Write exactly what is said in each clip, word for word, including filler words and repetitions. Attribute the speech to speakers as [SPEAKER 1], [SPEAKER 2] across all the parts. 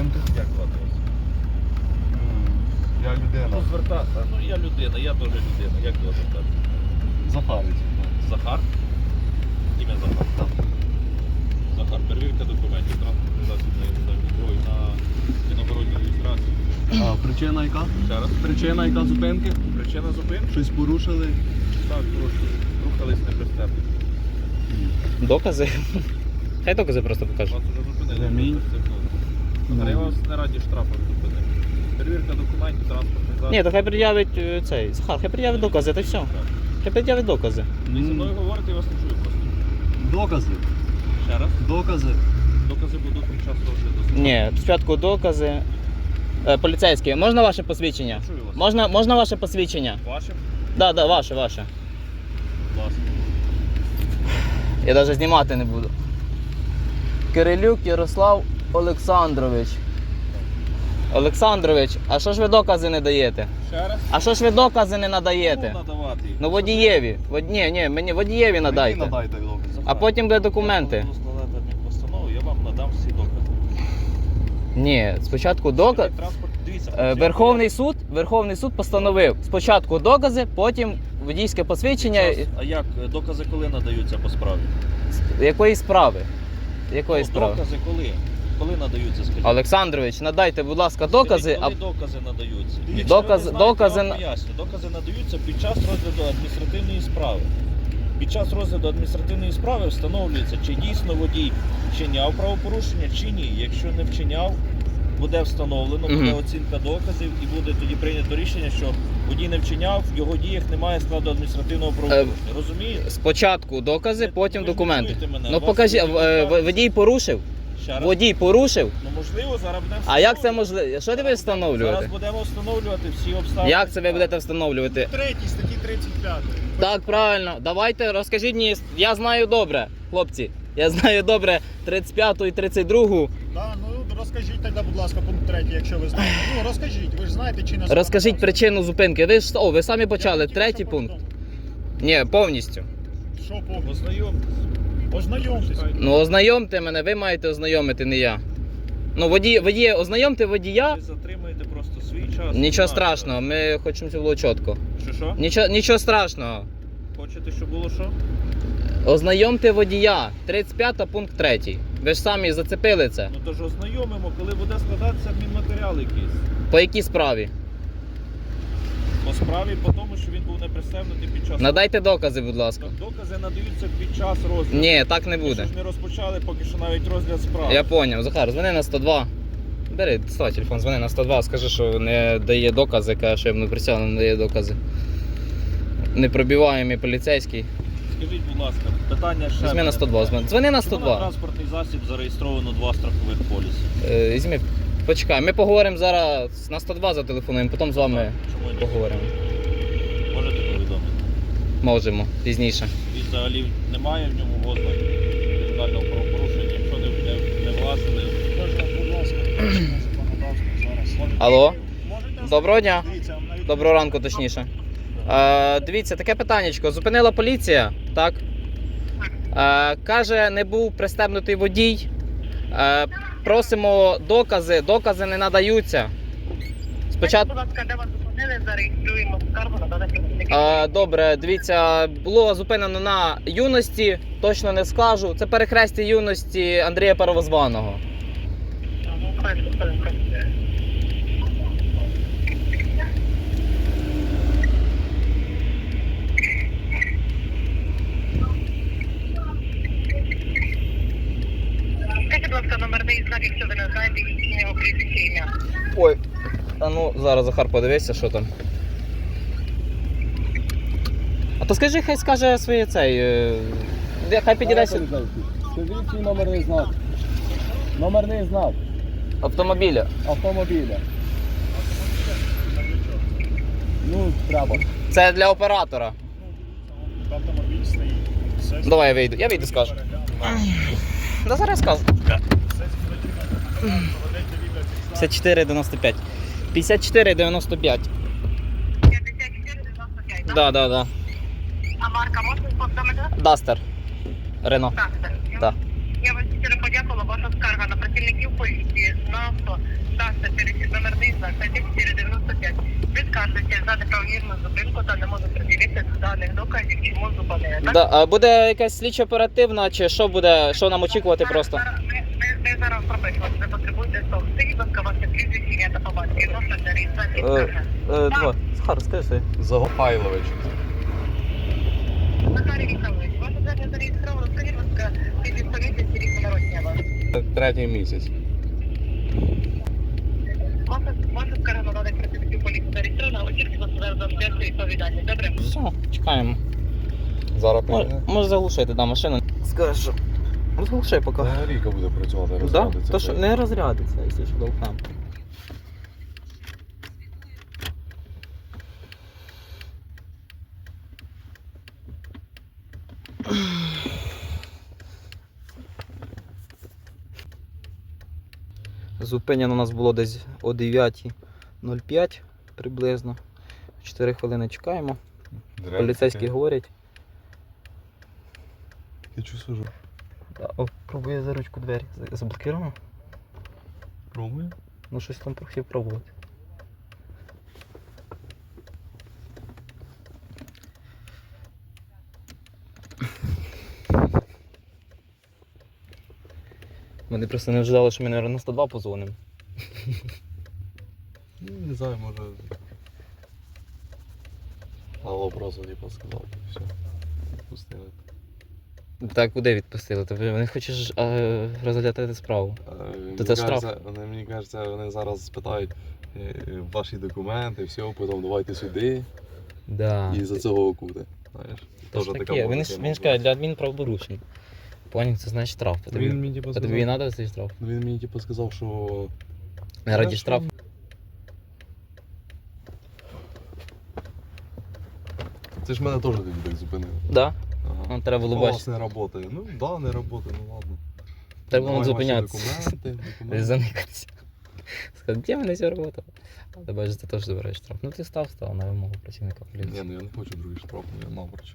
[SPEAKER 1] зупинки?
[SPEAKER 2] Як звати вас?
[SPEAKER 1] Я людина.
[SPEAKER 2] Ну, звертатися. Ну, я людина, я теж людина. Як до вас звертатися?
[SPEAKER 1] Захарич.
[SPEAKER 2] Захар? Ім'я Захар.
[SPEAKER 1] Так.
[SPEAKER 2] Захар, перевірка документів, транспортний засіб на іноземній зброї на іногородній реєстрації.
[SPEAKER 1] А причина яка?
[SPEAKER 2] Ще раз.
[SPEAKER 1] Причина яка зупинки?
[SPEAKER 2] Причина зупинки?
[SPEAKER 1] Щось порушили?
[SPEAKER 2] Так, прошу. Рухались непристебно.
[SPEAKER 3] Докази? Хай докази просто покажуть.
[SPEAKER 2] Вас уже зупинили.
[SPEAKER 1] Ремінь.
[SPEAKER 2] Захар, я вас не раді штрафом зупинив. Перевірка документів, транспортний засіб.
[SPEAKER 3] Ні, то хай пред'явить е, цей. Захар, хай пред'явить докази, та й все. Хай пред'явить докази.
[SPEAKER 2] Ви зі мною говорите, я вас не чую просто.
[SPEAKER 1] Докази.
[SPEAKER 2] Ще раз.
[SPEAKER 1] Докази.
[SPEAKER 2] Докази будуть під час розгляду.
[SPEAKER 3] Ні, спочатку докази. Е, поліцейські, можна ваше посвідчення?
[SPEAKER 2] Чую вас.
[SPEAKER 3] Можна, можна ваше посвідчення?
[SPEAKER 2] Ваше?
[SPEAKER 3] Так, да, да, ваше, ваше.
[SPEAKER 2] Будь ласка.
[SPEAKER 3] Я навіть знімати не буду. Кирилюк Ярослав Олександрович. Олександрович, а що ж ви докази не даєте?
[SPEAKER 2] Ще раз.
[SPEAKER 3] А що ж ви докази не надаєте?
[SPEAKER 2] Ну, надавати їх.
[SPEAKER 3] Ну водієві. Вод... Ні, ні, мені водієві
[SPEAKER 1] Мені
[SPEAKER 3] надайте.
[SPEAKER 1] надайте докази.
[SPEAKER 3] А потім буде документи.
[SPEAKER 2] Я буду складати адмінпостанову, я вам надам всі докази.
[SPEAKER 3] Ні, спочатку доказ.
[SPEAKER 2] Транспорт, дивіться,
[SPEAKER 3] Е, Верховний суд, Верховний суд постановив спочатку докази, потім водійське посвідчення.
[SPEAKER 2] Час. А як е, докази коли надаються по справі?
[SPEAKER 3] Якої справи? Якої
[SPEAKER 2] Ну,
[SPEAKER 3] справи?
[SPEAKER 2] докази коли? Коли надаються, скажіть?
[SPEAKER 3] Олександрович, надайте, будь ласка, докази.
[SPEAKER 2] Скажіть, коли докази надаються? Якщо
[SPEAKER 3] Доказ-
[SPEAKER 2] ви не знаєте,
[SPEAKER 3] докази
[SPEAKER 2] я
[SPEAKER 3] на-
[SPEAKER 2] вам поясню. Докази надаються під час розгляду адміністративної справи. Під час розгляду адміністративної справи встановлюється, чи дійсно водій вчиняв правопорушення, чи ні. Якщо не вчиняв, буде встановлено, буде
[SPEAKER 3] Мгм.
[SPEAKER 2] оцінка доказів і буде тоді прийнято рішення, що водій не вчиняв, в його діях немає складу адміністративного правопорушення. Розумієте?
[SPEAKER 3] Спочатку докази,
[SPEAKER 2] Ви-
[SPEAKER 3] потім
[SPEAKER 2] ви ж не
[SPEAKER 3] документи.
[SPEAKER 2] чуєте мене.
[SPEAKER 3] Ну
[SPEAKER 2] У вас
[SPEAKER 3] покажіть,
[SPEAKER 2] буде
[SPEAKER 3] е,
[SPEAKER 2] відповідальність.
[SPEAKER 3] водій порушив?
[SPEAKER 2] Ще раз.
[SPEAKER 3] Водій порушив?
[SPEAKER 2] Ну можливо, зараз будемо
[SPEAKER 3] А як це
[SPEAKER 2] встановлювати.
[SPEAKER 3] можливо? Що ти будеш
[SPEAKER 2] Зараз
[SPEAKER 3] встановлювати?
[SPEAKER 2] будемо встановлювати всі обставини.
[SPEAKER 3] Як це ви будете встановлювати?
[SPEAKER 4] Третій статті тридцять п'ять.
[SPEAKER 3] Так, правильно. Давайте розкажіть мені. Я знаю добре, хлопці. Я знаю добре тридцять п'яту і тридцять другу.
[SPEAKER 4] Да, ну розкажіть тоді, будь ласка, пункт третій, якщо ви знаєте. Ну розкажіть, ви ж знаєте чи не знаєте.
[SPEAKER 3] Розкажіть причину зупинки. Ви ж о, ви самі почали.
[SPEAKER 4] Я хотів,
[SPEAKER 3] Третій
[SPEAKER 4] щоб
[SPEAKER 3] пункт.
[SPEAKER 4] повідомити.
[SPEAKER 3] Ні, повністю.
[SPEAKER 4] Що повністю?
[SPEAKER 2] Ознайомтесь.
[SPEAKER 4] Ознайомтесь.
[SPEAKER 3] Ну ознайомте мене, ви маєте ознайомити, не я. Ну, водій, водій, ознайомте водія.
[SPEAKER 2] Ви затримаєте просто свій час.
[SPEAKER 3] Нічого
[SPEAKER 2] Так,
[SPEAKER 3] страшного, ми хочемо, щоб було чітко.
[SPEAKER 2] Що що?
[SPEAKER 3] Нічого, нічого страшного.
[SPEAKER 2] Хочете, щоб було що?
[SPEAKER 3] Ознайомте водія. тридцять п'ята пункт третій. Ви ж самі зацепили це.
[SPEAKER 2] Ну то ж ознайомимо, коли буде складатися адмінматеріал якийсь.
[SPEAKER 3] По якій справі?
[SPEAKER 2] По справі, по тому, що він був не пристебнутий під час.
[SPEAKER 3] Надайте докази, будь ласка.
[SPEAKER 2] Так, докази надаються під час розгляду.
[SPEAKER 3] Ні, так не
[SPEAKER 2] Ми
[SPEAKER 3] буде.
[SPEAKER 2] ж не розпочали поки що навіть розгляд справи.
[SPEAKER 3] Я поняв. Захар, дзвони на сто два. Бери, доставай телефон, дзвони на сто два, скажи, що не дає докази, каже, що йому присягну, не дає докази. Непробиваємий поліцейський.
[SPEAKER 2] Скажіть, будь ласка, питання ще.
[SPEAKER 3] Візьми на
[SPEAKER 2] мене
[SPEAKER 3] сто два,
[SPEAKER 2] питання.
[SPEAKER 3] дзвони на сто
[SPEAKER 2] Чому на
[SPEAKER 3] два.
[SPEAKER 2] транспортний засіб зареєстровано два страхових поліси?
[SPEAKER 3] Е, Візьми, почекай, ми поговоримо зараз на сто два зателефонуємо, потім з вами
[SPEAKER 2] Чому ні?
[SPEAKER 3] поговоримо.
[SPEAKER 2] Можете повідомити?
[SPEAKER 3] Можемо, пізніше.
[SPEAKER 2] Він взагалі немає в ньому ознак кримінального правопорушення, якщо не, не, не власне.
[SPEAKER 4] Можна, будь ласка, законодавство зараз.
[SPEAKER 3] Алло?
[SPEAKER 4] Можете?
[SPEAKER 3] Доброго дня.
[SPEAKER 4] Дивіться, на YouTube.
[SPEAKER 3] Доброго ранку, точніше. Е, дивіться, таке питаннячко. Зупинила поліція, так? Е, каже, не був пристебнутий водій. Е, просимо докази, докази не надаються. Спочатку.
[SPEAKER 5] Будь ласка, де вас зупинили, зареєструємо скаргу на даних працівників.
[SPEAKER 3] Е, добре, дивіться, було зупинено на юності, точно не скажу. Це перехрестя юності Андрія Первозваного.
[SPEAKER 5] Хвилинку, хвилинку. Скажіть, будь ласка, номерний знак, якщо ви не знаєте, їхнє його прізвище ім'я.
[SPEAKER 3] Ой, а ну зараз Захар подивися, що там. А то скажи, хай скаже своє цей. е, де- Хай підійде сюди.
[SPEAKER 1] Скажіть свій номерний знак. Номерний знак
[SPEAKER 3] Автомобіля.
[SPEAKER 1] автомобіля. Ну, треба.
[SPEAKER 3] Це для оператора.
[SPEAKER 4] Автомобіль стоїть. Все
[SPEAKER 3] Давай я вийду. Я вийду, скажу. Да зараз скажу. п'ятдесят чотири дев'яносто п'ять. п'ятдесят чотири дев'яносто п'ять.
[SPEAKER 5] п'ятдесят чотири дев'яносто п'ять, так?
[SPEAKER 3] Да, да, да.
[SPEAKER 5] А марка можна повідомити?
[SPEAKER 3] Дастер. Рено.
[SPEAKER 5] Так, так.
[SPEAKER 3] Так.
[SPEAKER 5] Я вам щиро подякувала. Ваша скарга на працівників поліції на авто знак статті чотири дев'яносто п'ять. Відказуєте за неправомірну зупинку та не може приділити даних доказів, чому зупинили. Так?
[SPEAKER 3] Да, а буде якась слідчо оперативна, чи що буде, що нам очікувати
[SPEAKER 5] Зараз-
[SPEAKER 3] просто?
[SPEAKER 5] зараз- Ми, ми, ми зараз пропишемо, ви потребуєте того. Скажіть, будь ласка, ваше прізвище, ім'я та по батькові, номер для реєстрації скарги.
[SPEAKER 3] Е, два. Захар, скажи.
[SPEAKER 1] Загопайлович.
[SPEAKER 5] Захарій Вікторович, ваше звернення зареєстровано, скажіть, будь ласка, тисяч поліції, рік народження вас.
[SPEAKER 1] Третій місяць.
[SPEAKER 5] Ваша, ваша скарга на даних працівників поліції зареєстрована, очікуйте вас зараз за обов'язку відповідальність. Добре?
[SPEAKER 3] Все, чекаємо.
[SPEAKER 1] Зараз
[SPEAKER 3] Може,
[SPEAKER 1] прийде.
[SPEAKER 3] може заглушити, да, машину. Скажеш, що. Розглушай поки.
[SPEAKER 1] Ріка буде працювати,
[SPEAKER 3] Да?
[SPEAKER 1] розглядатися.
[SPEAKER 3] То що не розрядиться, якщо що довкнемо. Зупинено у нас було десь о дев'ятій нуль п'ять приблизно. чотири хвилини чекаємо. Поліцейські говорять.
[SPEAKER 1] Я чувствую,
[SPEAKER 3] Да, О, пробує за ручку двері. За- Заблокировано?
[SPEAKER 1] пробую.
[SPEAKER 3] Ну щось там хотів пробувати. Вони просто не вжидали, що ми, мабуть, на сто два позвонимо.
[SPEAKER 1] Ну, не знаю, може. Алло, просто типа сказав, все. Пустили.
[SPEAKER 3] Так, куди відпустили? Тобі вони хочуть ж, а, розглядати справу. То це штраф.
[SPEAKER 1] Вони, мені кажеться, вони зараз спитають е, ваші документи, все, потім давайте сюди
[SPEAKER 3] Да.
[SPEAKER 1] і за цього окути. Знаєш?
[SPEAKER 3] Тож
[SPEAKER 1] Тоже
[SPEAKER 3] таке.
[SPEAKER 1] така
[SPEAKER 3] Він,
[SPEAKER 1] може
[SPEAKER 3] ж-
[SPEAKER 1] тема
[SPEAKER 3] він ж
[SPEAKER 1] бути.
[SPEAKER 3] каже, для адмінправопорушень. Поняв, це значить штраф. А тобі,
[SPEAKER 1] Він мені типу
[SPEAKER 3] а тобі
[SPEAKER 1] сказав,
[SPEAKER 3] і треба цей штраф?
[SPEAKER 1] ну, він мені типу сказав, що
[SPEAKER 3] Не раді
[SPEAKER 1] Хорошо.
[SPEAKER 3] штраф.
[SPEAKER 1] це ж мене теж тоді так зупинили.
[SPEAKER 3] Да?
[SPEAKER 1] Ага.
[SPEAKER 3] Ну, треба було
[SPEAKER 1] У вас
[SPEAKER 3] бачити.
[SPEAKER 1] не працює. Ну да, не працює, ну ладно.
[SPEAKER 3] Треба було
[SPEAKER 1] Давай ваші
[SPEAKER 3] зупинятися.
[SPEAKER 1] Документи, документи.
[SPEAKER 3] Заникатися. Сказати, де мене все робота? Але бачиш, ти теж забираєш штраф. Ну ти став, став на вимогу працівника
[SPEAKER 1] Ні,
[SPEAKER 3] поліції.
[SPEAKER 1] ну я не хочу другий штраф, ну я напроч.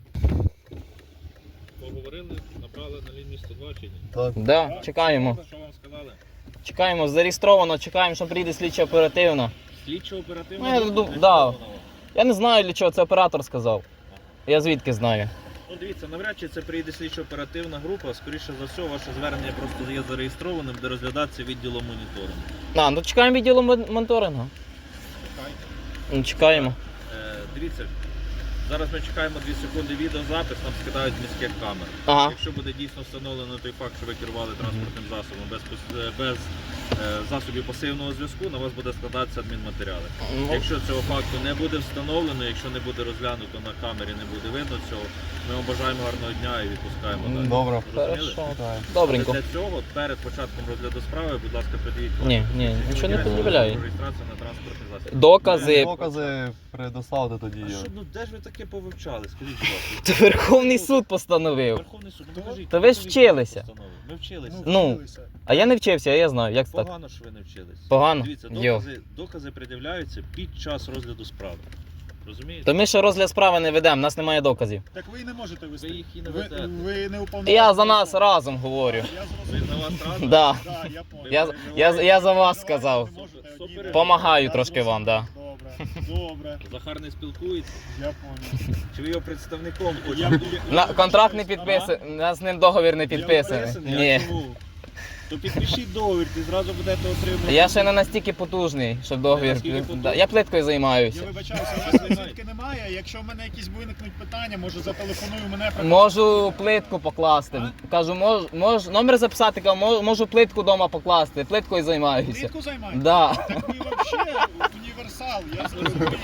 [SPEAKER 2] Поговорили, набрали на лінії сто два чи ні?
[SPEAKER 1] Так.
[SPEAKER 3] Да, чекаємо.
[SPEAKER 2] Що вам сказали?
[SPEAKER 3] Чекаємо, зареєстровано, чекаємо, що прийде слідчо оперативно.
[SPEAKER 2] Слідчо оперативно.
[SPEAKER 3] Ну, я думаю, да. Я не знаю, для чого це оператор сказав. Я звідки знаю.
[SPEAKER 2] Ну дивіться, навряд чи це прийде слідчо оперативна група, скоріше за все, ваше звернення просто є зареєстрованим, де розглядатися відділом моніторингу.
[SPEAKER 3] А, ну чекаємо відділу мон- моніторингу.
[SPEAKER 2] Чекайте.
[SPEAKER 3] Ну, чекаємо.
[SPEAKER 2] Е, дивіться, зараз ми чекаємо дві секунди відеозапис, нам скидають з міських камер.
[SPEAKER 3] Ага.
[SPEAKER 2] Якщо буде дійсно встановлено той факт, що ви керували транспортним засобом без, пос- е, без е, засобів пасивного зв'язку, на вас буде складатися адмінматеріали.
[SPEAKER 3] Ну,
[SPEAKER 2] Якщо цього факту не буде встановлено, якщо не буде розглянуто на камері, не буде видно цього, ми вам бажаємо гарного дня і відпускаємо далі.
[SPEAKER 1] Добре.
[SPEAKER 2] Зрозуміли?
[SPEAKER 3] хорошо.
[SPEAKER 1] Так.
[SPEAKER 3] Добренько.
[SPEAKER 2] Але для цього, перед початком розгляду справи, будь ласка, підійдіть.
[SPEAKER 3] Ні, ні, нічого не пред'являю.
[SPEAKER 2] Реєстрація на транспортний засіб.
[SPEAKER 3] Докази.
[SPEAKER 1] Докази предоставте тоді.
[SPEAKER 2] А що, ну де ж ви таке повивчали? Скажіть, будь ласка.
[SPEAKER 3] Це Верховний суд постановив.
[SPEAKER 2] Верховний суд, ну покажіть.
[SPEAKER 3] Та ви ж
[SPEAKER 2] покажіть
[SPEAKER 3] вчилися.
[SPEAKER 2] постанову. Ми вчилися.
[SPEAKER 3] Ну,
[SPEAKER 4] вчилися.
[SPEAKER 3] А я не вчився, я знаю, як це так.
[SPEAKER 2] Погано, що ви не вчились.
[SPEAKER 3] Погано?
[SPEAKER 2] Дивіться,
[SPEAKER 3] Йо.
[SPEAKER 2] докази, докази пред'являються під час розгляду справи. Розумієте?
[SPEAKER 3] То ми ще розгляд справи не ведемо, у нас немає доказів.
[SPEAKER 4] Так ви і не можете вести.
[SPEAKER 2] Ви їх і не
[SPEAKER 4] ви,
[SPEAKER 2] ведете.
[SPEAKER 4] ви не уповноважені.
[SPEAKER 3] Я за нас разом говорю.
[SPEAKER 4] Я
[SPEAKER 2] Ви
[SPEAKER 4] зрозумів.
[SPEAKER 2] на вас разом?
[SPEAKER 3] Да.
[SPEAKER 4] Да, я понял.
[SPEAKER 3] Я, я, я за вас сказав.
[SPEAKER 4] Ви можете одні-
[SPEAKER 2] Супер.
[SPEAKER 3] Помагаю
[SPEAKER 4] Я
[SPEAKER 3] трошки вам, да.
[SPEAKER 4] Добре, добре,
[SPEAKER 2] Захар не спілкується?
[SPEAKER 4] я понял.
[SPEAKER 2] Чи ви його представником
[SPEAKER 4] Я,
[SPEAKER 2] хочете?
[SPEAKER 4] я,
[SPEAKER 3] На, контракт не підписаний, у нас з ним договір не підписаний.
[SPEAKER 2] Підписаний?
[SPEAKER 3] Ні.
[SPEAKER 2] А чому? То підпишіть договір, ти зразу будете отримувати.
[SPEAKER 3] Я ще не настільки потужний, щоб договір.
[SPEAKER 2] Наскільки потужний?
[SPEAKER 3] Да, Я плиткою
[SPEAKER 4] я
[SPEAKER 3] займаюся.
[SPEAKER 4] вибачаюся, у вас візитки немає. Якщо в мене якісь виникнуть питання, може зателефоную мене.
[SPEAKER 3] Можу плитку покласти. Кажу, мож, мож, номер записати, кажу, мож- можу плитку вдома покласти. Плиткою займаюся.
[SPEAKER 4] Плитку займаєте?
[SPEAKER 3] Да.
[SPEAKER 4] Так ви взагалі універсал, я зрозумів.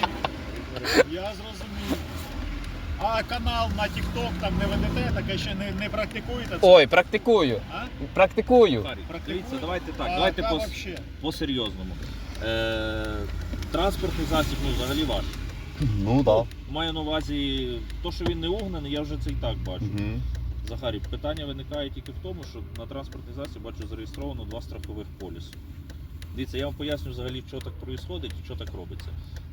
[SPEAKER 4] Я зрозумів. А канал на TikTok там не ведете, таке ще не, не практикуєте? Це?
[SPEAKER 3] Ой, практикую.
[SPEAKER 4] А?
[SPEAKER 3] Практикую.
[SPEAKER 2] Захарій,
[SPEAKER 4] Практикуєте?
[SPEAKER 2] Дивіться, давайте так,
[SPEAKER 4] А
[SPEAKER 2] давайте
[SPEAKER 4] яка
[SPEAKER 2] по,
[SPEAKER 4] вообще?
[SPEAKER 2] по-серйозному. Е, транспортний засіб, ну, взагалі ваш.
[SPEAKER 1] Ну так.
[SPEAKER 2] Маю на увазі, то, що він не угнаний, я вже це і так бачу.
[SPEAKER 1] Угу.
[SPEAKER 2] Захарій, питання виникає тільки в тому, що на транспортний засіб бачу зареєстровано два страхових поліси. Дивіться, я вам поясню взагалі, що так відбувається і що так робиться.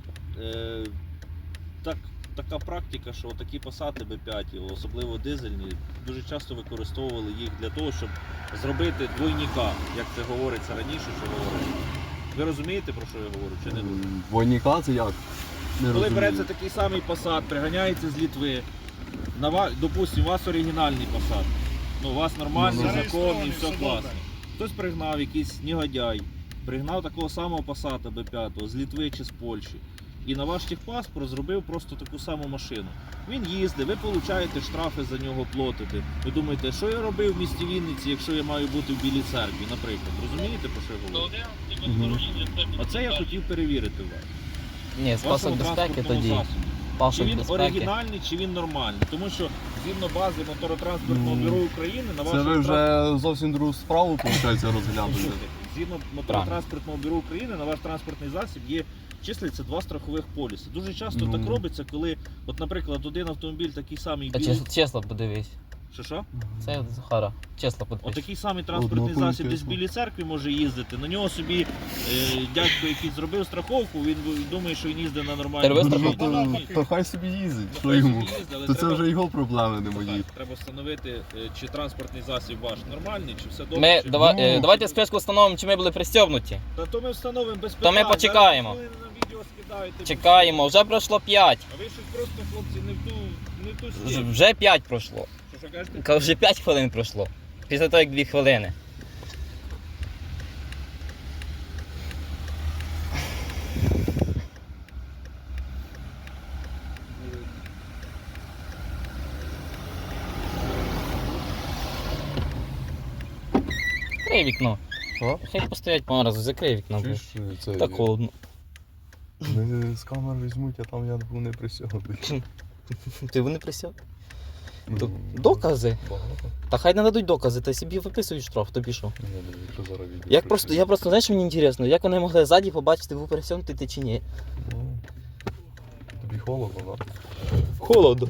[SPEAKER 2] Е, так, така практика, що такі пасати Б п'ять, особливо дизельні, дуже часто використовували їх для того, щоб зробити двойника, як це говориться раніше, що говорили. Ви розумієте, про що я говорю, чи не дуже?
[SPEAKER 1] Двойника це як? Не
[SPEAKER 2] Коли
[SPEAKER 1] розумію.
[SPEAKER 2] береться такий самий Passat, приганяється з Литви, на ва... допустим, у вас оригінальний Passat, ну, у вас нормальний,
[SPEAKER 1] Ну, ну.
[SPEAKER 2] законний, все
[SPEAKER 4] Все
[SPEAKER 2] класно.
[SPEAKER 4] добре.
[SPEAKER 2] Хтось пригнав, якийсь негодяй, пригнав такого самого Passat бе п'ять з Литви чи з Польщі. І на ваш техпаспорт зробив просто таку саму машину. Він їздить, ви получаєте штрафи за нього платите. Ви думаєте, що я робив в місті Вінниці, якщо я маю бути в Білій церкві, наприклад. Розумієте, про що я говорю?
[SPEAKER 1] Мгм.
[SPEAKER 2] Оце я хотів перевірити у вас.
[SPEAKER 3] Ні, з
[SPEAKER 2] Вашому
[SPEAKER 3] пасом безпеки
[SPEAKER 2] транспортному
[SPEAKER 3] тоді.
[SPEAKER 2] засобі. Чи
[SPEAKER 3] Пасок
[SPEAKER 2] він
[SPEAKER 3] безпеки.
[SPEAKER 2] оригінальний, чи він нормальний. Тому що згідно бази моторотранспортного
[SPEAKER 1] Ну,
[SPEAKER 2] бюро України на
[SPEAKER 1] Це
[SPEAKER 2] вашому
[SPEAKER 1] ви
[SPEAKER 2] транспорт-
[SPEAKER 1] вже зовсім другу справу, виходить, розглядуєте.
[SPEAKER 2] Послухайте, згідно моторотранспортного бюро України на ваш транспортний засіб є числиться два страхових поліси. Дуже часто
[SPEAKER 1] Ну.
[SPEAKER 2] так робиться, коли, от, наприклад, один автомобіль такий самий
[SPEAKER 3] Та
[SPEAKER 2] білий.
[SPEAKER 3] чесно, чесно подивись.
[SPEAKER 2] Що що?
[SPEAKER 3] Це Захара. Чесно
[SPEAKER 2] От
[SPEAKER 3] подивись.
[SPEAKER 2] такий самий транспортний
[SPEAKER 1] Однаковий
[SPEAKER 2] засіб десь в
[SPEAKER 1] Тесла.
[SPEAKER 2] Білій церкві може їздити. На нього собі е, дядько, який зробив страховку, він думає, що він їздить на нормальній
[SPEAKER 3] Ти робив
[SPEAKER 2] машині.
[SPEAKER 3] страховку?
[SPEAKER 1] Ну, то, то хай собі їздить,
[SPEAKER 2] Ну,
[SPEAKER 1] що
[SPEAKER 2] хай
[SPEAKER 1] йому.
[SPEAKER 2] собі їздить, але
[SPEAKER 1] То це
[SPEAKER 2] треба-
[SPEAKER 1] вже його проблеми, не мої.
[SPEAKER 2] Так, треба встановити, е, чи транспортний засіб ваш нормальний, чи все добре.
[SPEAKER 3] Ми,
[SPEAKER 2] чи...
[SPEAKER 3] давай,
[SPEAKER 1] Ну.
[SPEAKER 3] е, давайте спочатку встановимо, чи ми були пристебнуті.
[SPEAKER 2] Та то ми встановимо без
[SPEAKER 3] То ми
[SPEAKER 2] питань.
[SPEAKER 3] почекаємо.
[SPEAKER 2] Зараз ви на відео скидаєте.
[SPEAKER 3] Чекаємо, вже пройшло п'ять.
[SPEAKER 2] А ви щось просто, хлопці, не в ту, не в ту
[SPEAKER 3] Вже-
[SPEAKER 2] стіль.
[SPEAKER 3] Вже п'ять пройшло.
[SPEAKER 2] Що, що кажете?
[SPEAKER 3] Кажу, вже п'ять хвилин пройшло. Після того, як дві хвилини. Закрий вікно.
[SPEAKER 1] А?
[SPEAKER 3] Хай постоять по разу, закрий вікно.
[SPEAKER 1] Чуєш, це...
[SPEAKER 3] Так холодно.
[SPEAKER 1] Не з камер візьмуть, а там я був не присягнутий.
[SPEAKER 3] Ти вони присяг?
[SPEAKER 1] Ну,
[SPEAKER 3] Докази.
[SPEAKER 1] Багато.
[SPEAKER 3] Та хай не дадуть докази, та собі виписують штраф, тобі що?
[SPEAKER 1] Ні, ну, якщо зараз відео
[SPEAKER 3] Як просто,
[SPEAKER 1] присягну.
[SPEAKER 3] я просто, знаєш, мені інтересно, як вони могли ззаді побачити, був пересунутий ти чи ні?
[SPEAKER 1] Ну, тобі холодно, так?
[SPEAKER 3] Холодно.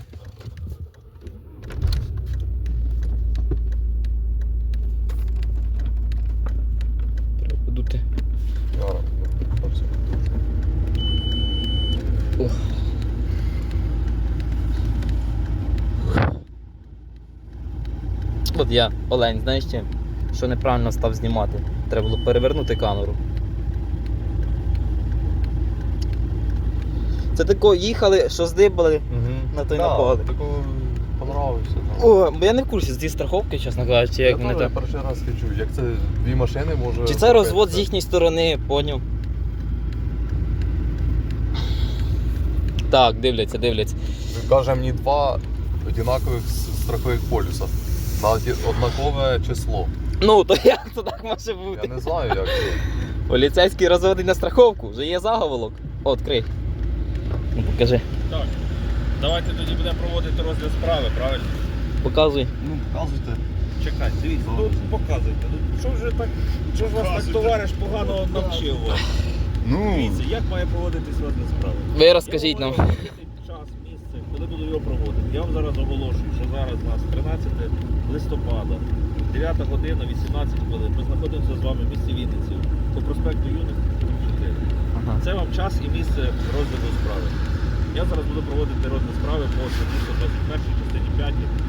[SPEAKER 3] Треба подути.
[SPEAKER 1] Яра, ну, там все.
[SPEAKER 3] Ох. От я, Олень, знаєш чим? Що неправильно став знімати. Треба було перевернути камеру. Це тако їхали, що здибали. На той
[SPEAKER 1] да,
[SPEAKER 3] напали.
[SPEAKER 1] Такого понравився. Да.
[SPEAKER 3] О, бо я не в курсі з цієї страховки, чесно кажучи, як
[SPEAKER 1] я
[SPEAKER 3] вони
[SPEAKER 1] теж
[SPEAKER 3] там.
[SPEAKER 1] перший раз чую, як це дві машини може...
[SPEAKER 3] Чи це розвод з їхньої сторони, поняв? Так, дивляться, дивляться.
[SPEAKER 1] Він каже мені два однакових с- страхових полюса на оді- однакове число.
[SPEAKER 3] Ну, то як це так може бути?
[SPEAKER 1] Я не знаю, як це.
[SPEAKER 3] Поліцейський розводить на страховку, вже є заголовок. О, відкрий. Ну, покажи.
[SPEAKER 2] Так. Давайте тоді будемо проводити розгляд справи, правильно?
[SPEAKER 3] Показуй.
[SPEAKER 1] Ну, показуйте.
[SPEAKER 2] Чекайте, дивіться,
[SPEAKER 1] Добре.
[SPEAKER 2] тут показуйте. Ну, що вже так, що ж вас так
[SPEAKER 4] Показуйте.
[SPEAKER 2] товариш погано навчив вас?
[SPEAKER 1] Ну,
[SPEAKER 2] Дивіться, як має проводитись розгляд справи?
[SPEAKER 3] Ви розкажіть
[SPEAKER 2] Я
[SPEAKER 3] нам.
[SPEAKER 2] вам говорю час, місце, коли буду його проводити. Я вам зараз оголошую, що зараз у нас тринадцяте листопада, дев'ята година, вісімнадцять хвилин. Ми знаходимося з вами в місті Вінниці по проспекту Юності чотири.
[SPEAKER 3] Ага.
[SPEAKER 2] Це вам час і місце розгляду справи. Я зараз буду проводити розгляд справи по статті сто двадцять першій частині п'ятій е,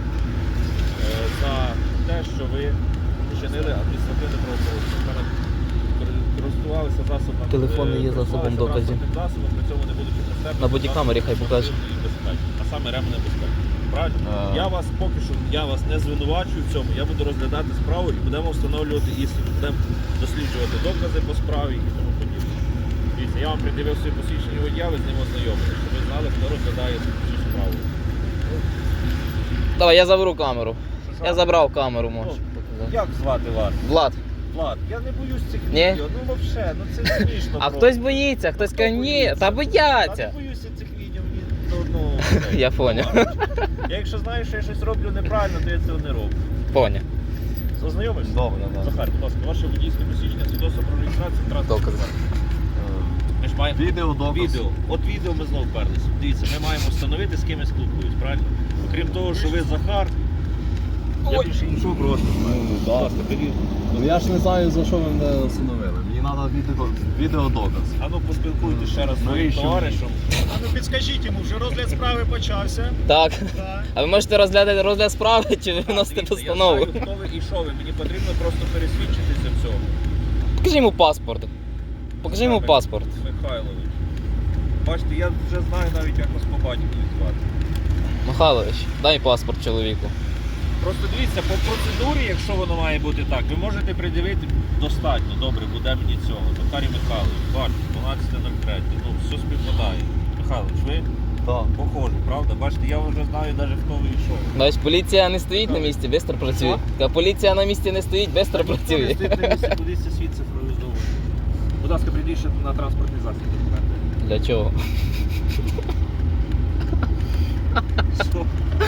[SPEAKER 2] за те, що ви вчинили адміністративне правопорушення. Перед- Користувалися засобами.
[SPEAKER 3] Телефон не є
[SPEAKER 2] е,
[SPEAKER 3] засобом
[SPEAKER 2] користувалися
[SPEAKER 3] доказів.
[SPEAKER 2] транспортним засобом, при цьому не будучи пристебнутим
[SPEAKER 3] На бодікамері хай
[SPEAKER 2] засобом
[SPEAKER 3] покаже.
[SPEAKER 2] автомобільної безпеки, а саме ременем безпеки. Правильно?
[SPEAKER 1] А.
[SPEAKER 2] Я вас поки що я вас не звинувачую в цьому. Я буду розглядати справу і будемо встановлювати істину. Будемо досліджувати докази по справі і тому подібне. Дивіться, я вам придивив свої посвідчення водія, ви з ним ознайомилися, щоб ви знали, хто розглядає цю справу.
[SPEAKER 3] Давай, я заберу камеру.
[SPEAKER 2] Що, що?
[SPEAKER 3] Я забрав камеру, можеш
[SPEAKER 2] Ну,
[SPEAKER 3] показати.
[SPEAKER 2] Як звати вас?
[SPEAKER 3] Влад.
[SPEAKER 2] Влад, я не боюсь цих
[SPEAKER 3] Ні?
[SPEAKER 2] відео. Ну взагалі, ну це смішно.
[SPEAKER 3] А
[SPEAKER 2] просто.
[SPEAKER 3] хтось боїться, хтось каже, ні, та
[SPEAKER 2] Та
[SPEAKER 3] бояться.
[SPEAKER 2] не боюся цих відео, мені ну, ну, це,
[SPEAKER 3] Я поняв.
[SPEAKER 2] ладно. Я якщо знаю, що я щось роблю неправильно, то я цього не роблю.
[SPEAKER 3] Поняв.
[SPEAKER 2] Ознайомишся?
[SPEAKER 1] добре, да.
[SPEAKER 2] Захар, будь ласка, ваше водійське посвідчення, свідоцтво про реєстрацію транспорту.
[SPEAKER 3] Докази.
[SPEAKER 2] Ми ж маємо
[SPEAKER 1] Відео, доказ.
[SPEAKER 2] відео. От відео ми знову вперлися. Дивіться, ми маємо встановити, з ким я спілкуюсь, правильно? Окрім того, що ви Захар, я
[SPEAKER 3] Ой.
[SPEAKER 2] більше іншого просто знаю.
[SPEAKER 1] Ну,
[SPEAKER 2] Будь
[SPEAKER 1] да.
[SPEAKER 2] ласка, беріть.
[SPEAKER 1] Ну я ж не знаю, за що ви мене встановили. Мені треба відео, відеодоказ.
[SPEAKER 2] А ну поспілкуйтесь ще раз з своїм
[SPEAKER 1] Навіщо?
[SPEAKER 2] товаришем.
[SPEAKER 4] А ну підскажіть йому, вже розгляд справи почався.
[SPEAKER 3] Так.
[SPEAKER 4] Так.
[SPEAKER 3] А ви можете розглядати розгляд справи, чи ви виносите
[SPEAKER 2] Дивіться,
[SPEAKER 3] постанову?
[SPEAKER 2] Я знаю, хто ви і що ви. Мені потрібно просто пересвідчитися в цьому.
[SPEAKER 3] Покажи йому паспорт. Покажи йому паспорт.
[SPEAKER 2] Михайлович. Бачите, я вже знаю навіть, як вас по батькові звати.
[SPEAKER 3] Михайлович, дай паспорт чоловіку.
[SPEAKER 2] Просто дивіться, по процедурі, якщо воно має бути так, ви можете придивити достатньо, добре, буде мені цього. Захарій Михайлович, бачите, дванадцяте нуль третє, ну, все співпадає. Михайлович, ви
[SPEAKER 1] Так.
[SPEAKER 2] похожі, правда? Бачите, я вже знаю навіть хто ви йшов.
[SPEAKER 3] Бач, поліція не стоїть на місці, швидко працює. Та поліція на місці не стоїть, швидко
[SPEAKER 2] Ніхто не
[SPEAKER 3] працює.
[SPEAKER 2] стоїть на місці, кудись це світ цифровізовує. Будь ласка, прийдіть ще на транспортний засіб документи.
[SPEAKER 3] Для чого?
[SPEAKER 2] Що?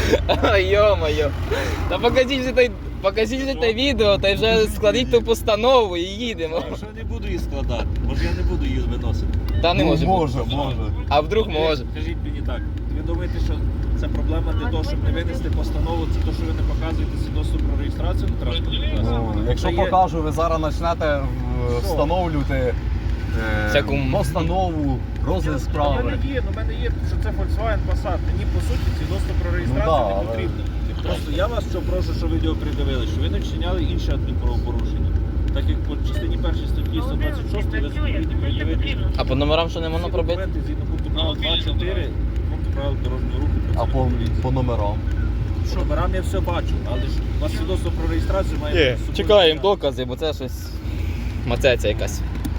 [SPEAKER 3] Йо-моє. Та покажіть же той, покажіть же те відео, та й вже складіть ту постанову і їдемо.
[SPEAKER 2] Я вже не буду її складати, може я не буду її виносити.
[SPEAKER 3] Та не може бути.
[SPEAKER 1] Може, може.
[SPEAKER 3] А вдруг може.
[SPEAKER 2] Скажіть мені так, ви думаєте, що це проблема для того, щоб не винести постанову, це те, що ви не показуєте свідоцтво про реєстрацію на транспортний засіб?
[SPEAKER 1] Ну, якщо
[SPEAKER 2] Це є-
[SPEAKER 1] покажу, ви зараз почнете е, встановлювати е,
[SPEAKER 3] Всяку-
[SPEAKER 1] постанову, розгляд
[SPEAKER 2] У
[SPEAKER 1] справи.
[SPEAKER 2] мене є, у мене є, що це Volkswagen Passat. Мені по суті свідоцтво про реєстрацію
[SPEAKER 1] Ну да,
[SPEAKER 2] не
[SPEAKER 1] але-
[SPEAKER 2] потрібно. Просто я вас що прошу, що відео придивили, що ви не вчиняли інші адмінправопорушення. Так як по частині першій статті сто двадцять шість ви повинні пред'явити
[SPEAKER 3] А по номерам що не можна
[SPEAKER 2] всі
[SPEAKER 3] пробити?
[SPEAKER 2] документи згідно пункту правил два чотири, пункту правил дорожнього руху.
[SPEAKER 1] А по,
[SPEAKER 2] працівник поліції.
[SPEAKER 1] по номерам.
[SPEAKER 2] По номерам я все бачу, але ж у вас свідоцтво про реєстрацію має
[SPEAKER 3] Є,
[SPEAKER 2] бути з собою.
[SPEAKER 3] чекаємо докази, бо це щось мацеця якась.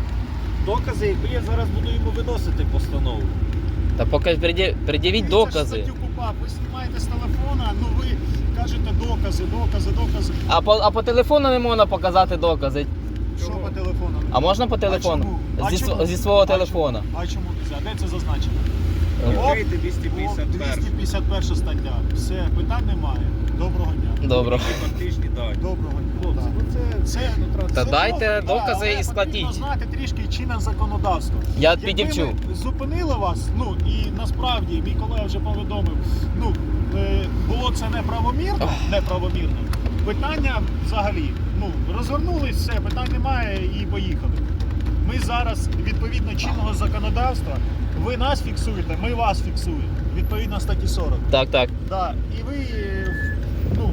[SPEAKER 2] Докази, якби я зараз буду йому виносити постанову.
[SPEAKER 3] Та поки пред'явіть
[SPEAKER 4] Дивіться ж
[SPEAKER 3] докази.
[SPEAKER 4] статтю КУпАП, ви знімаєте з телефона, ну ви кажете докази, докази, докази.
[SPEAKER 3] А по, а по телефону не можна показати докази.
[SPEAKER 4] Що по телефону?
[SPEAKER 3] А можна по
[SPEAKER 4] А
[SPEAKER 3] телефону?
[SPEAKER 4] чому? А
[SPEAKER 3] Зі,
[SPEAKER 4] чому?
[SPEAKER 3] св- зі свого
[SPEAKER 4] А
[SPEAKER 3] телефона.
[SPEAKER 4] чому? А чому нельзя? Де це зазначено?
[SPEAKER 2] Відкрийте двісті п'ятдесят
[SPEAKER 4] О,
[SPEAKER 2] перше.
[SPEAKER 4] двісті п'ятдесят перша стаття. Все, питань немає. Доброго дня.
[SPEAKER 3] Добре.
[SPEAKER 2] Фактичні дані.
[SPEAKER 4] Доброго дня.
[SPEAKER 2] Хлопці,
[SPEAKER 4] Так.
[SPEAKER 2] ну це,
[SPEAKER 4] Це,
[SPEAKER 2] ну, транс-
[SPEAKER 3] Та
[SPEAKER 4] це
[SPEAKER 3] дайте
[SPEAKER 4] добре,
[SPEAKER 3] докази
[SPEAKER 4] але
[SPEAKER 3] і складіть.
[SPEAKER 4] Потрібно знати трішки чинне законодавство.
[SPEAKER 3] Я
[SPEAKER 4] Якби
[SPEAKER 3] підівчу.
[SPEAKER 4] ми зупинили вас, ну і насправді мій колега вже повідомив, ну е, було це неправомірно, неправомірно. Питання взагалі, ну розвернулись, все, питань немає і поїхали. Ми зараз відповідно чинного законодавства, ви нас фіксуєте, ми вас фіксуємо. Відповідно статті сорок.
[SPEAKER 3] Так, так.
[SPEAKER 4] Да. І ви е, ну,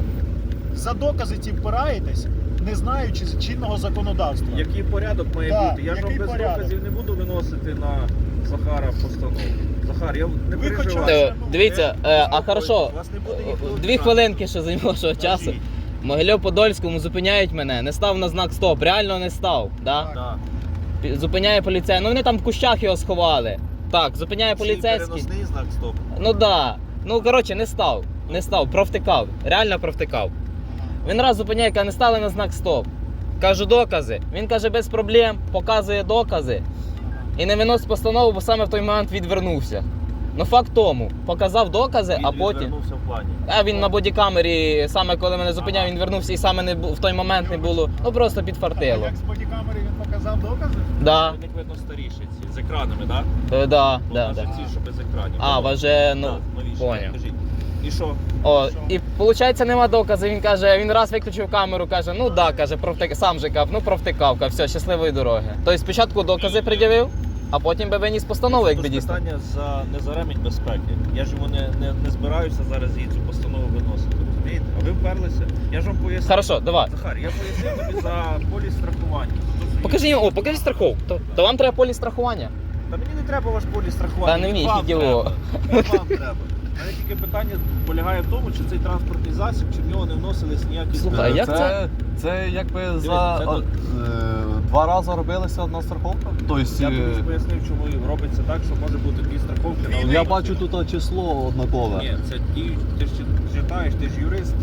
[SPEAKER 4] за докази ці впираєтесь, не знаючи чинного законодавства.
[SPEAKER 2] Який порядок має
[SPEAKER 4] Так,
[SPEAKER 2] бути? Я ж вам
[SPEAKER 4] який
[SPEAKER 2] без
[SPEAKER 4] порядок?
[SPEAKER 2] доказів не буду виносити на Захара постанову. Захар, я не
[SPEAKER 4] Ви
[SPEAKER 2] переживаю.
[SPEAKER 4] хоча
[SPEAKER 3] Е,
[SPEAKER 4] ну,
[SPEAKER 3] Дивіться, е, а
[SPEAKER 2] Заспокойтесь,
[SPEAKER 3] хорошо,
[SPEAKER 2] вас не буде ніхто
[SPEAKER 3] дві
[SPEAKER 2] відбирати.
[SPEAKER 3] хвилинки ще займало часу.
[SPEAKER 4] Кажіть.
[SPEAKER 3] В Могильов-Подольському зупиняють мене, не став на знак стоп, реально не став. Да?
[SPEAKER 2] Да.
[SPEAKER 3] Пі- Зупиняє поліцей. Ну вони там в кущах його сховали. Так, зупиняє
[SPEAKER 2] Ще й
[SPEAKER 3] поліцейський.
[SPEAKER 2] переносний знак стоп.
[SPEAKER 3] Ну да. Ну коротше, не став. Не став, провтикав. Реально провтикав. Він раз зупиняє, каже, не стали на знак стоп. Кажу докази. Він каже, без проблем, показує докази. І не виносить постанову, бо саме в той момент відвернувся. Ну факт тому, показав докази,
[SPEAKER 2] Він
[SPEAKER 3] а потім.
[SPEAKER 2] відвернувся в плані.
[SPEAKER 3] А він на бодікамері, саме коли мене зупиняв, він вернувся і саме не бу- в той момент не було. Ну просто
[SPEAKER 4] А
[SPEAKER 3] підфартило.
[SPEAKER 4] як з бодікамери він показав докази?
[SPEAKER 3] Да,
[SPEAKER 2] Як видно старіші ці, з екранами, так?
[SPEAKER 3] е, да,
[SPEAKER 2] Бо
[SPEAKER 3] да,
[SPEAKER 2] в нас
[SPEAKER 3] да.
[SPEAKER 2] же ці, що без екранів.
[SPEAKER 3] А, вас же, ну,
[SPEAKER 2] Да, новіші,
[SPEAKER 3] поняв.
[SPEAKER 2] кажіть. І що?
[SPEAKER 3] О,
[SPEAKER 4] Що?
[SPEAKER 3] і виходить, нема доказу. Він каже, він раз виключив камеру, каже, ну да, каже, провтик... сам же кав, ну провтикав, каже, все, щасливої дороги. Тобто спочатку докази пред'явив, а потім би виніс постанову, якби
[SPEAKER 2] Тут
[SPEAKER 3] дійсно.
[SPEAKER 2] питання за не за ремінь безпеки. Я ж йому не, не, не збираюся зараз її цю постанову виносити. Розумієте? А ви вперлися. Я ж вам пояснив.
[SPEAKER 3] Хорошо, давай.
[SPEAKER 2] Захар, я пояснив тобі за поліс страхування. Тобто,
[SPEAKER 3] Покажи йому, о, покажи страховку. То, то вам треба поліс страхування.
[SPEAKER 2] Та мені не треба ваш поліс страхування.
[SPEAKER 3] Та не
[SPEAKER 2] він
[SPEAKER 3] мені,
[SPEAKER 2] вам
[SPEAKER 3] тільки його.
[SPEAKER 2] треба. Він вам треба. У мене тільки питання полягає в тому, чи цей транспортний засіб, чи в нього не вносились ніякі
[SPEAKER 3] Слухай,
[SPEAKER 2] зміни.
[SPEAKER 3] як це?
[SPEAKER 1] це? Це якби за
[SPEAKER 2] це
[SPEAKER 1] а,
[SPEAKER 2] тут-
[SPEAKER 1] е, два рази робилася одна страховка. Тобто,
[SPEAKER 2] Я тобі
[SPEAKER 1] е,
[SPEAKER 2] ж пояснив, чому робиться так, що може бути дві страховки на одній
[SPEAKER 1] я
[SPEAKER 2] машині.
[SPEAKER 1] бачу тут число однакове.
[SPEAKER 2] Ні, це ті, ти ж читаєш, ти ж юрист.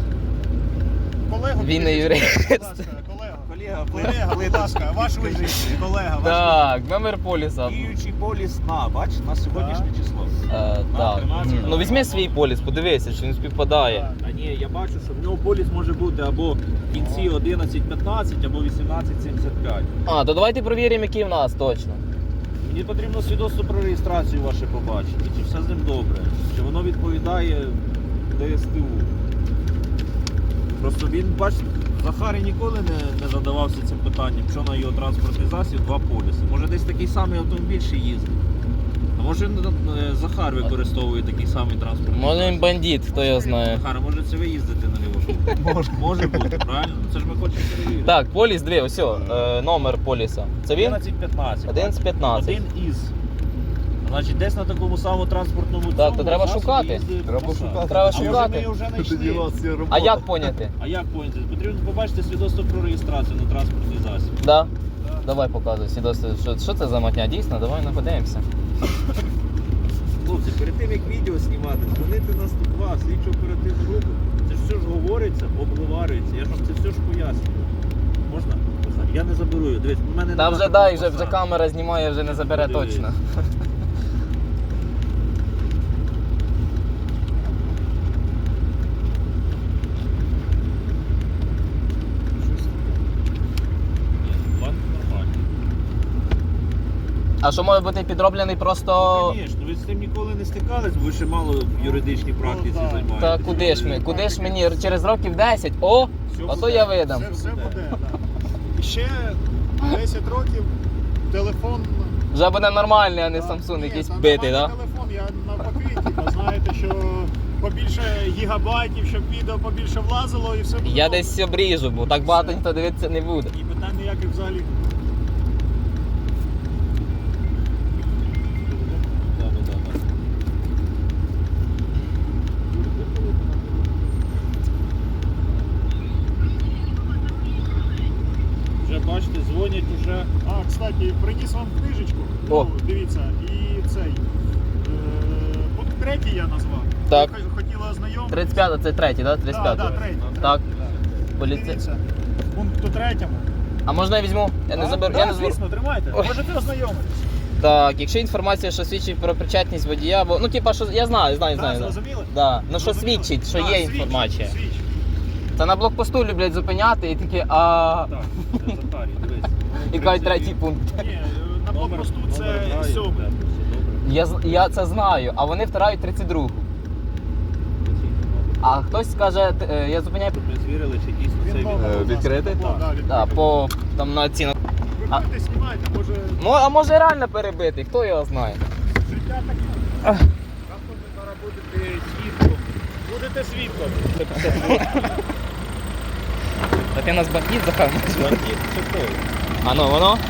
[SPEAKER 4] Колегу,
[SPEAKER 3] Він не
[SPEAKER 4] підійдіть,
[SPEAKER 3] юрист.
[SPEAKER 4] будь ласка, колега.
[SPEAKER 2] Колега,
[SPEAKER 4] Колега, будь ласка, ваш визит, колега, ваш
[SPEAKER 3] Так, номер поліса.
[SPEAKER 2] Діючий поліс на, бач, на сьогоднішнє число.
[SPEAKER 3] Е, так.
[SPEAKER 2] тринадцять.
[SPEAKER 3] Ну візьми свій поліс, подивися, чи він співпадає.
[SPEAKER 2] А ні, я бачу, що в нього поліс може бути або в кінці одинадцять п'ятнадцять, або вісімнадцять сімдесят п'ять.
[SPEAKER 3] А, то давайте провіримо, який в нас точно.
[SPEAKER 2] Мені потрібно свідоцтво про реєстрацію ваше побачити, чи все з ним добре, чи воно відповідає ДСТУ. Просто він, бачите, Захарій ніколи не, не задавався цим питанням, що на його транспортний засіб два поліси. Може десь такий самий автомобіль ще їздить. А може е, Захар використовує такий самий транспортний
[SPEAKER 3] Може він
[SPEAKER 2] засіб.
[SPEAKER 3] бандит, хто його знає.
[SPEAKER 2] Захар, а може це ви їздите на лівому?
[SPEAKER 1] Може.
[SPEAKER 2] Може бути, правильно? Це ж ми хочемо перевірити.
[SPEAKER 3] Так, поліс, диви, ось, о, е, номер поліса. Це він?
[SPEAKER 2] одинадцять п'ятнадцять.
[SPEAKER 3] одинадцять п'ятнадцять.
[SPEAKER 2] Один із. Значить, десь на такому самому транспортному
[SPEAKER 3] Так,
[SPEAKER 2] цьому
[SPEAKER 3] то треба
[SPEAKER 2] засобі
[SPEAKER 3] шукати.
[SPEAKER 2] їздить
[SPEAKER 1] Треба
[SPEAKER 2] Passat.
[SPEAKER 1] шукати.
[SPEAKER 3] Треба
[SPEAKER 2] А може
[SPEAKER 3] шукати.
[SPEAKER 2] ми його вже
[SPEAKER 1] Тоді у
[SPEAKER 2] знайшли?
[SPEAKER 1] вас є робота.
[SPEAKER 3] А як поняти?
[SPEAKER 2] А як поняти? Потрібно побачити свідоцтво про реєстрацію на транспортний засіб.
[SPEAKER 3] Да? Давай показуй свідоцтво. Що, що це за мотня? Дійсно, давай не подивимося.
[SPEAKER 2] Хлопці, перед тим як відео знімати, дзвонити на сто два, слідчу оперативну групу. Це ж все ж говориться, обговорюється. Я ж вам це все ж пояснюю. Можна? Можна. Я не заберу його. Дивись, в мене
[SPEAKER 3] Та
[SPEAKER 2] нема
[SPEAKER 3] вже
[SPEAKER 2] такого
[SPEAKER 3] дай, вже, вже
[SPEAKER 2] Passat.
[SPEAKER 3] камера знімає, вже не забере
[SPEAKER 2] Подивись.
[SPEAKER 3] точно.
[SPEAKER 2] Ні, бланк нормальний.
[SPEAKER 3] А що може бути підроблений просто.
[SPEAKER 2] Ну, звісно, ви з цим ніколи не стикались, бо ви ще мало в юридичній практиці
[SPEAKER 4] да.
[SPEAKER 2] займаєтесь.
[SPEAKER 3] Та куди ж ми? Куди ж мені? Через років десять? О!
[SPEAKER 2] Все
[SPEAKER 3] А то
[SPEAKER 2] буде.
[SPEAKER 3] я видам.
[SPEAKER 4] Все, все буде, так. І ще десять років телефон.
[SPEAKER 3] Вже буде нормальний, а не Samsung
[SPEAKER 4] Ні,
[SPEAKER 3] якийсь
[SPEAKER 4] та
[SPEAKER 3] битий,
[SPEAKER 4] нормальний
[SPEAKER 3] так?
[SPEAKER 4] телефон, я навпаки, типу, знаєте, що побільше гігабайтів, щоб відео побільше влазило і все буде.
[SPEAKER 3] Я
[SPEAKER 4] добре.
[SPEAKER 3] десь обріжу, бо так багато ніхто дивитися не буде.
[SPEAKER 4] І питань ніяких взагалі.
[SPEAKER 2] Да, да, да, да. Вже бачите, дзвонять уже.
[SPEAKER 4] А, кстати, приніс вам книжечку.
[SPEAKER 3] О.
[SPEAKER 4] Ну, дивіться, і цей. Е, пункт третій я назвав.
[SPEAKER 3] Так.
[SPEAKER 4] Ви хо- хотіли ознайомитися?
[SPEAKER 3] тридцять п'ятий, це третій, так?
[SPEAKER 4] Так,
[SPEAKER 3] тридцять
[SPEAKER 4] да,
[SPEAKER 3] п'ятий.
[SPEAKER 4] да, третій.
[SPEAKER 3] Так.
[SPEAKER 4] третій.
[SPEAKER 3] Поліці...
[SPEAKER 4] Дивіться, в пункту третьому.
[SPEAKER 3] А можна я візьму? Я не
[SPEAKER 4] Так,
[SPEAKER 3] заберу.
[SPEAKER 4] так,
[SPEAKER 3] Я не заберу.
[SPEAKER 4] звісно, тримайте.
[SPEAKER 3] Ой.
[SPEAKER 4] Можете ознайомитися.
[SPEAKER 3] Так, якщо інформація, що свідчить про причетність водія, бо ну типа, що я знаю, знаю,
[SPEAKER 4] Так,
[SPEAKER 3] знаю. Да.
[SPEAKER 4] зрозуміли?
[SPEAKER 3] Да. Ну що
[SPEAKER 4] Зрозуміли?
[SPEAKER 3] свідчить, що
[SPEAKER 4] Так,
[SPEAKER 3] є
[SPEAKER 4] свідчить,
[SPEAKER 3] інформація.
[SPEAKER 4] свідчить.
[SPEAKER 3] Та на блокпосту люблять зупиняти і такі, а
[SPEAKER 2] Так, це Захарій, дивись.
[SPEAKER 3] і кажуть третій пункт.
[SPEAKER 4] Ні, е, на
[SPEAKER 2] Номер-
[SPEAKER 4] блокпосту
[SPEAKER 2] номер
[SPEAKER 4] це
[SPEAKER 2] грає,
[SPEAKER 4] сьомий.
[SPEAKER 2] да, все добре.
[SPEAKER 3] Я, з- я це знаю, а вони втирають тридцять другу. А хтось скаже, т- е, я зупиняю.
[SPEAKER 2] Щоб ми звірили, чи дійсно
[SPEAKER 4] Він
[SPEAKER 2] це
[SPEAKER 4] номер
[SPEAKER 2] він.
[SPEAKER 1] Е,
[SPEAKER 4] у нас
[SPEAKER 1] відкритий?
[SPEAKER 4] на табло, да, відкритий.
[SPEAKER 3] Да, по там на ціну. А-
[SPEAKER 4] Виходьте, знімайте, може
[SPEAKER 3] Ну, а може реально перебитий, хто його знає?
[SPEAKER 4] життя таке.
[SPEAKER 3] Ах.
[SPEAKER 2] Завтра ви зараз будете свідком. Будете свідком.
[SPEAKER 3] Та ти нас бандит, Захар?
[SPEAKER 2] Бандит це той.
[SPEAKER 3] А ну воно?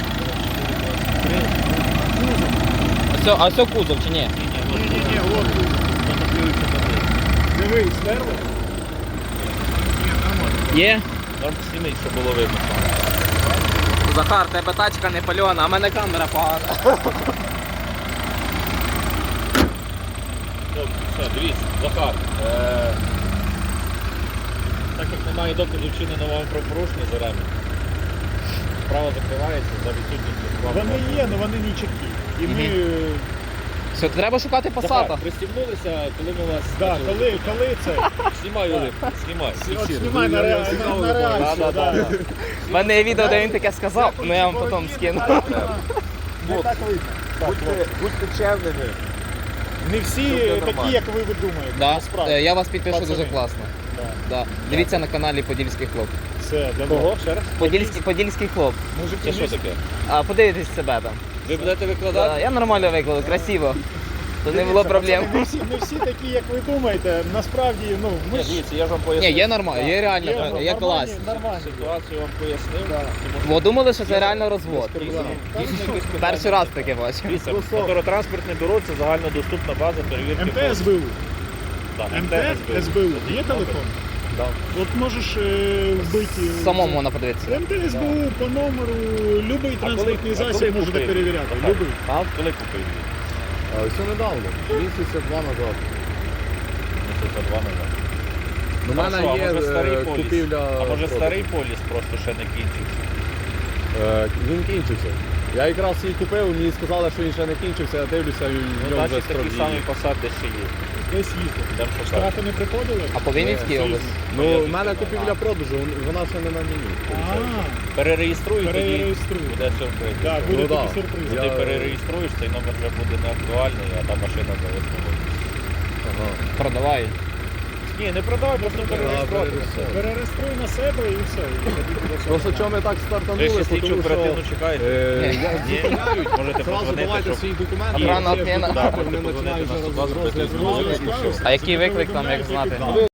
[SPEAKER 3] А все, а все кузов чи ні?
[SPEAKER 4] Ні-ні-ні, от тут. Дивись, стерли? Ні, нормально.
[SPEAKER 3] Є?
[SPEAKER 2] Там зніміть, щоб було видно.
[SPEAKER 3] Захар, тебе тачка не пальона, а в мене камера погана.
[SPEAKER 2] Добре, все, дивіться, Захар. Е- так як немає доказів вчиненого вами правопорушення за ремінь, справа закривається за відсутністю справи.
[SPEAKER 4] Вони є, але вони не чіткі. І ми, е,
[SPEAKER 3] Все, треба шукати
[SPEAKER 2] Захар,
[SPEAKER 3] пасата.
[SPEAKER 2] пристібнулися, коли ми вас...
[SPEAKER 4] да, коли, коли це,
[SPEAKER 2] Знімай, Олег, знімай.
[SPEAKER 4] от знімай на, ре- на, на реакцію,
[SPEAKER 2] Да, да,
[SPEAKER 4] да.
[SPEAKER 2] да.
[SPEAKER 3] У мене є відео, де він таке сказав, ну я вам потім скину.
[SPEAKER 4] Не так видно.
[SPEAKER 2] Будьте, будьте чемними.
[SPEAKER 4] Не всі
[SPEAKER 2] Все буде
[SPEAKER 4] такі,
[SPEAKER 2] нормально.
[SPEAKER 4] як ви думаєте,
[SPEAKER 3] Да?
[SPEAKER 4] насправді.
[SPEAKER 3] Е, Я вас підпишу
[SPEAKER 4] Пацани.
[SPEAKER 3] дуже класно.
[SPEAKER 4] Да.
[SPEAKER 3] Да. Дивіться на каналі Подільський хлоп.
[SPEAKER 4] Все, давно.
[SPEAKER 2] Кого? Ще раз?
[SPEAKER 3] Подільський, Подільський хлоп.
[SPEAKER 4] Мужики,
[SPEAKER 2] Це що
[SPEAKER 4] не-
[SPEAKER 2] таке?
[SPEAKER 3] А подивитесь себе там.
[SPEAKER 2] Ви будете
[SPEAKER 3] Да,
[SPEAKER 2] викладати?
[SPEAKER 3] я нормально викладу, красиво. То не було
[SPEAKER 4] Дивіться,
[SPEAKER 3] проблем.
[SPEAKER 4] пацани, Не всі, не всі такі, як ви думаєте. Насправді, ну, ми
[SPEAKER 2] Ні,
[SPEAKER 4] ж
[SPEAKER 2] дивіться, я ж вам
[SPEAKER 3] Ні,
[SPEAKER 2] пояснив.
[SPEAKER 3] є нормально, є реально,
[SPEAKER 4] є,
[SPEAKER 3] є
[SPEAKER 4] нормальні,
[SPEAKER 3] клас.
[SPEAKER 4] нормальні.
[SPEAKER 2] Ситуацію вам пояснив.
[SPEAKER 4] Да.
[SPEAKER 2] Тому що
[SPEAKER 3] Бо думали, що це реально розвод.
[SPEAKER 2] дійсно-
[SPEAKER 4] Да.
[SPEAKER 2] дійсно якісь питання.
[SPEAKER 3] Перший раз таке бачу.
[SPEAKER 2] Дивіться, моторотранспортне бюро це загальнодоступна база перевірки.
[SPEAKER 4] МТС БУ.
[SPEAKER 2] Так,
[SPEAKER 4] МТС СБУ. Є телефон?
[SPEAKER 2] Да.
[SPEAKER 4] От можеш е, вбити.
[SPEAKER 3] Самому можна подивитися.
[SPEAKER 4] МТС БУ по номеру, будь-який транспортний
[SPEAKER 2] а коли
[SPEAKER 4] засіб можете
[SPEAKER 2] купив?
[SPEAKER 4] перевіряти.
[SPEAKER 2] Так.
[SPEAKER 4] Любий.
[SPEAKER 2] А коли купив її?
[SPEAKER 1] А все недавно, місяця два назад.
[SPEAKER 2] Місяця два назад.
[SPEAKER 1] У
[SPEAKER 2] А
[SPEAKER 1] мене
[SPEAKER 2] що, а
[SPEAKER 1] є
[SPEAKER 2] може старий
[SPEAKER 1] е,
[SPEAKER 2] поліс?
[SPEAKER 1] купівля.
[SPEAKER 2] А може
[SPEAKER 1] продажу.
[SPEAKER 2] старий поліс просто ще не кінчився?
[SPEAKER 1] Е, Він кінчився. Я якраз її купив, мені сказали, що він ще не кінчився, я дивлюся, і в
[SPEAKER 2] Ну,
[SPEAKER 1] ньому вже
[SPEAKER 2] значить,
[SPEAKER 1] строк
[SPEAKER 2] такий самий
[SPEAKER 1] дії.
[SPEAKER 2] посад десь ще є.
[SPEAKER 4] Десь їздив.
[SPEAKER 2] Йдемо шукати.
[SPEAKER 4] Штрафи не приходили?
[SPEAKER 3] А по Вінницькій
[SPEAKER 4] Е,
[SPEAKER 3] області?
[SPEAKER 1] Ну,
[SPEAKER 2] Я
[SPEAKER 1] в мене
[SPEAKER 2] тут
[SPEAKER 1] купівля продажу, вона ще не на мені.
[SPEAKER 4] А,
[SPEAKER 2] Перереєструй, тоді
[SPEAKER 4] перереєструй.
[SPEAKER 2] буде сюрприз.
[SPEAKER 4] Так, буде
[SPEAKER 1] Ну, да.
[SPEAKER 4] такий сюрприз.
[SPEAKER 2] Ти
[SPEAKER 1] Я-
[SPEAKER 2] перереєструєш, цей номер вже буде не актуальний, а та машина зависла.
[SPEAKER 1] Ага.
[SPEAKER 3] Продавай.
[SPEAKER 2] Ні, не продавай, просто перереєструвати.
[SPEAKER 1] перереєструй.
[SPEAKER 4] Перереєструй на себе і все. і тоді буде все
[SPEAKER 1] Просто
[SPEAKER 4] нормально.
[SPEAKER 1] чому ми так
[SPEAKER 2] Ви
[SPEAKER 1] стартанули,
[SPEAKER 2] ще слідчу
[SPEAKER 1] тому
[SPEAKER 2] оперативну
[SPEAKER 1] що
[SPEAKER 2] чекаєте?
[SPEAKER 1] е,
[SPEAKER 3] Ні.
[SPEAKER 1] я зупиняють,
[SPEAKER 2] Можете
[SPEAKER 1] зразу
[SPEAKER 2] подзвонити,
[SPEAKER 1] давайте
[SPEAKER 2] щоб...
[SPEAKER 1] свої документи,
[SPEAKER 3] Охрана
[SPEAKER 1] всі
[SPEAKER 3] отміна.
[SPEAKER 1] документи,
[SPEAKER 2] Да,
[SPEAKER 1] вони
[SPEAKER 2] можете
[SPEAKER 1] починають
[SPEAKER 2] подзвонити
[SPEAKER 1] вже
[SPEAKER 2] на сто два,
[SPEAKER 1] розгляд
[SPEAKER 2] зробити
[SPEAKER 1] справи,
[SPEAKER 2] знову.
[SPEAKER 1] і все.
[SPEAKER 3] А який виклик там, як знати?
[SPEAKER 4] Да.